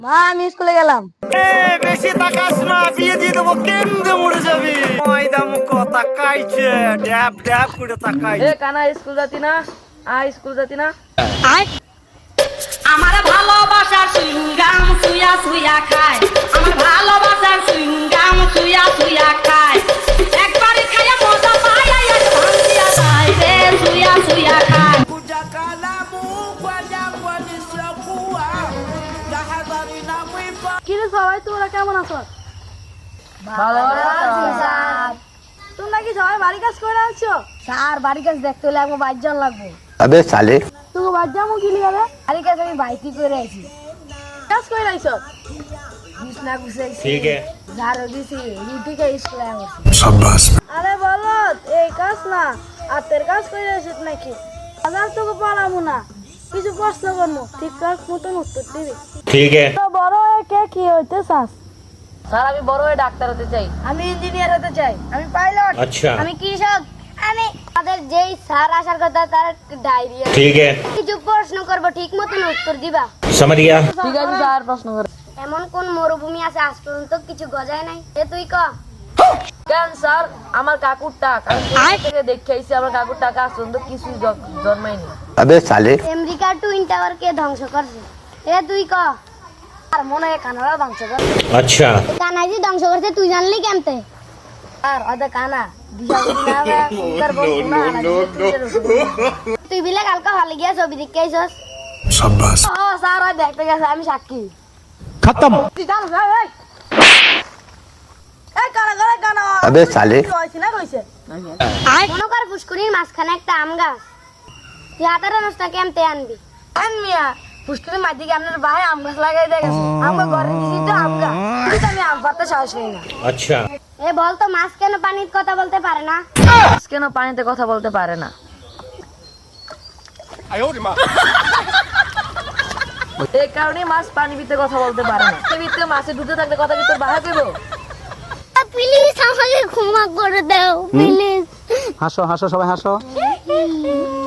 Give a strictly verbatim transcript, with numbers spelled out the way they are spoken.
মা আমি স্কুলে গেলাম। এ বেশি তাকাস না, বিয়ে দিয়ে দেবো, কেন্দ্রে মরে যাবি। ময়দা মুখ তাকাইছে, ড্যাব ড্যাব করে তাকাইছে। এ কানা স্কুল যাতি না? আ স্কুল যাতি না? আমার ভালোবাসার সুইংগাম সুয়া সুয়া খায়, আমার ভালোবাসার সুইংগাম সুয়া সুয়া খায়, একবার খায়া মজা পায় আর ভাঙিয়া যায় রে সুয়া সুয়া খায়। কি রে সবাই তোমরা কেমন আছো? ভালো আছি স্যার। তোমরা কি সবাই বাড়ি কাজ করে আসছো? স্যার বাড়ি কাজ দেখতে হলে আমার বাইর জন লাগবে। अबे साले তুমি বাইর যাবো কি লিগাবে? বাড়ি কাজ আমি বাইতি করে আইছি। কাজ করে আইছো? বিছনা গুছাইছি। ঠিক আছে। ঝাড়ু দিছি, রুটি খাই স্কুলে আসছি। शाबाश আরে বলো এই কাজ না হাতের কাজ করে আসিস নাকি? আবার তোকে পালামু না, কিছু প্রশ্ন করবো, ঠিক কাজ মতন উত্তর দিবি। ठीक है। তো বড় হয়ে কে কি হইতে চাস? স্যার আমি বড় হয়ে ডাক্তার হতে চাই। আমি ইঞ্জিনিয়ার হতে চাই। আমি পাইলট। अच्छा আমি কৃষক। আমি আমাদের যেই স্যার আসার কথা তার ডায়রিয়া। ठीक है, কিছু প্রশ্ন করব, ঠিক মতন উত্তর দিবা। समझ गया। ঠিক আছে স্যার, প্রশ্ন কর। এমন কোন মরুভূমি আছে আজ পর্যন্ত কিছু গজায় নাই? এ তুই ক। কেন স্যার? আমার কাকুর টাক আমি থেকে দেখে আইছি, আমার কাকুর টাকা আজ পর্যন্ত কিছু জন্মায়নি। अबे साले আমেরিকার টুইন টাওয়ার কে ধ্বংস করছে? এ তুই ক। আর মনে হয় কানাডা ধ্বংস করছে। अच्छा কানাই যে ধ্বংস করছে তুই জানলি কেমতে? আর ওদের কানা দিশা বুদ্ধি না হবে, উত্তর বলবো না, তুই বিলে কালকে হলে গিয়া ছবি দেখতে আইছস? शाबाश ও স্যার ওই দেখতে গেছে, আমি সাক্ষী। खत्म তুই জানো ভাই ভাই এই কানা কানা কানা अबे साले কইছি না কইছে মনে কর পুষ্করির মাঝখানে একটা আম গাছ, তুই হাতের নষ্ট কেমতে আনবি? আনমিয়া পুষ্করির মাঝে কি আপনার ভাই আম গাছ লাগাই দিয়ে গেছে, আমার ঘরে দিছি তো আম গাছ, কিন্তু আমি আম পাড়তে সাহস নেই না। अच्छा এ বল তো মাছ কেন পানিতে কথা বলতে পারে না? মাছ কেন পানিতে কথা বলতে পারে না? এই কারণে মাছ পানি ভিতরে কথা বলতে পারে না। এই ভিতরে মাছে ঢুকে থাকলে কথা কি তোর বাহা কইব? প্লিজ আমাকে ক্ষমা করে দাও প্লিজ। হাসো হাসো সবাই হাসো